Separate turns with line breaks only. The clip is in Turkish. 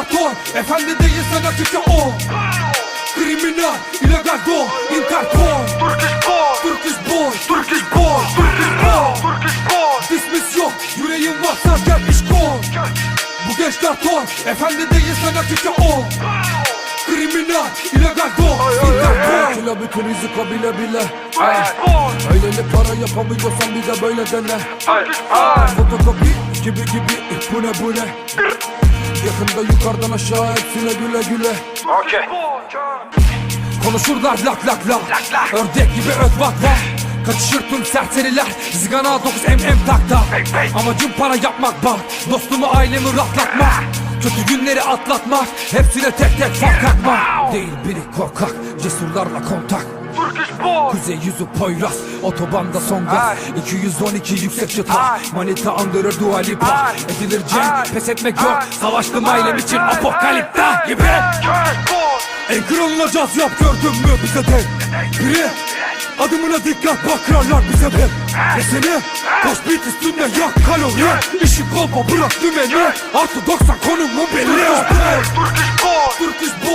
diktatör, efendi değil sana kimse o. Kriminal, illegal do, Interpol. Turkish boy, Turkish boy, Turkish boy, Turkish boy. Dismiss yok, yüreğin varsa gel iş koy. Bu gençler ton, efendi değil sana kimse o. Kriminal, illegal do, Interpol.
Kila bütün rizika bile bile. Öyleli para yapamıyorsan bir de böyle dene. Fotokopi gibi bu ne. Yakında yukarıdan aşağı hepsine güle güle.
Konuşurlar lak lak lak, ördek gibi öt vak vak. Kaçışır tüm serseriler, zigana 9 takta. Amacım para yapmak bak, dostumu ailemi rahatlatmak. Kötü günleri atlatmak, hepsine tek tek fark atmak. Değil biri korkak, cesurlarla kontak. Kuzey yüzü Poyraz, otobanda son gaz. 212 yüksek çıta, manita andırır Dua Lipa. Edilir cem, pes etmek yok. Savaştım ailem için apokalipta gibi. En kralına caz yap, gördün mü bize de biri. Adımına dikkat bak, kırarlar bize de. Desene, koş beat üstünde yak kalori. İşi kolpa bırak dümeni, artı 90 konumu belli. Turkish boy, Turkish boy.